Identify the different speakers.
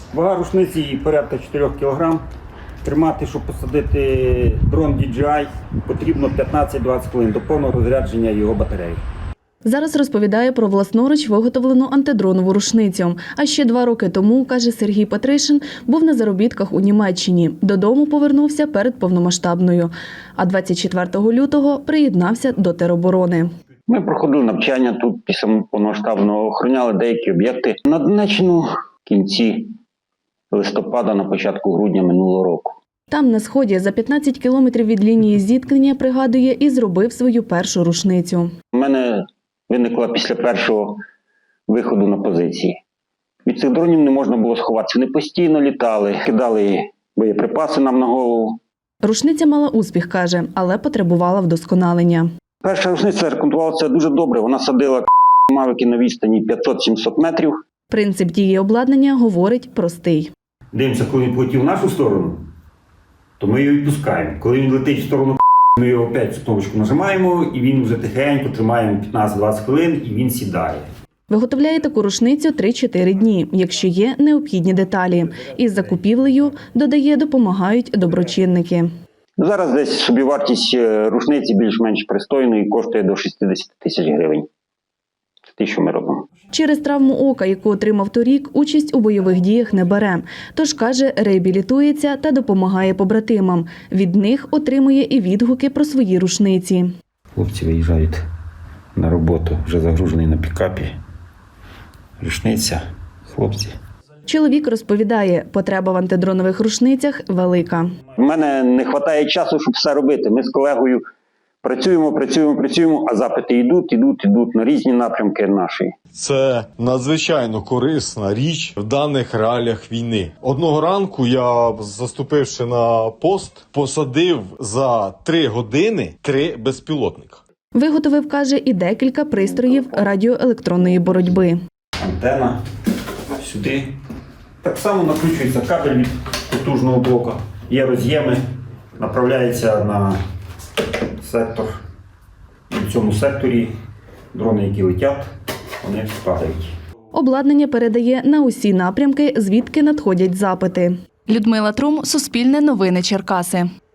Speaker 1: Вага рушниці порядка 4 кг. Тримати, щоб посадити дрон DJI, потрібно 15-20 хвилин до повного розрядження його батареї.
Speaker 2: Зараз розповідає про власноруч виготовлену антидронову рушницю. А ще 2 роки тому, каже Сергій Петришин, був на заробітках у Німеччині. Додому повернувся перед повномасштабною. А 24 лютого приєднався до тероборони.
Speaker 1: Ми проходили навчання тут після повномасштабного, охороняли деякі об'єкти на Донеччину в кінці листопада, на початку грудня минулого року.
Speaker 2: Там, на Сході, за 15 кілометрів від лінії зіткнення, пригадує, і зробив свою першу рушницю.
Speaker 1: У мене виникла після першого виходу на позиції. Від цих дронів не можна було сховатися. Вони постійно літали, кидали боєприпаси нам на голову.
Speaker 2: Рушниця мала успіх, каже, але потребувала вдосконалення.
Speaker 1: Перша рушниця рекомендувалася дуже добре. Вона садила мавики на відстані 500-700 метрів.
Speaker 2: Принцип дії обладнання, говорить, простий.
Speaker 1: Дивимося, коли він полетів в нашу сторону, то ми його відпускаємо. Коли він летить в сторону, ми його опять цю кнопочку нажимаємо, і він вже тихенько тримаємо 15-20 хвилин, і він сідає.
Speaker 2: Виготовляє таку рушницю 3-4 дні, якщо є необхідні деталі. Із закупівлею, додає, допомагають доброчинники.
Speaker 1: Зараз десь собівартість рушниці більш-менш пристойної, коштує до 60 тисяч гривень. Це те, що ми робимо.
Speaker 2: Через травму ока, яку отримав торік, участь у бойових діях не бере. Тож, каже, реабілітується та допомагає побратимам. Від них отримує і відгуки про свої рушниці.
Speaker 1: Хлопці виїжджають на роботу, вже загружений на пікапі. Рушниця, хлопці.
Speaker 2: Чоловік розповідає, потреба в антидронових рушницях велика.
Speaker 1: У мене не вистачає часу, щоб все робити. Ми з колегою працюємо, а запити йдуть на різні напрямки нашої.
Speaker 3: Це надзвичайно корисна річ в даних реаліях війни. Одного ранку я, заступивши на пост, посадив за 3 години 3 безпілотника.
Speaker 2: Виготовив, каже, і декілька пристроїв радіоелектронної боротьби.
Speaker 1: Антена сюди. Так само накручується кабель від потужного блока. Є роз'єми, направляється на сектор. І в цьому секторі дрони, які летять, вони падають.
Speaker 2: Обладнання передає на усі напрямки, звідки надходять запити. Людмила Трум, Суспільне новини Черкаси.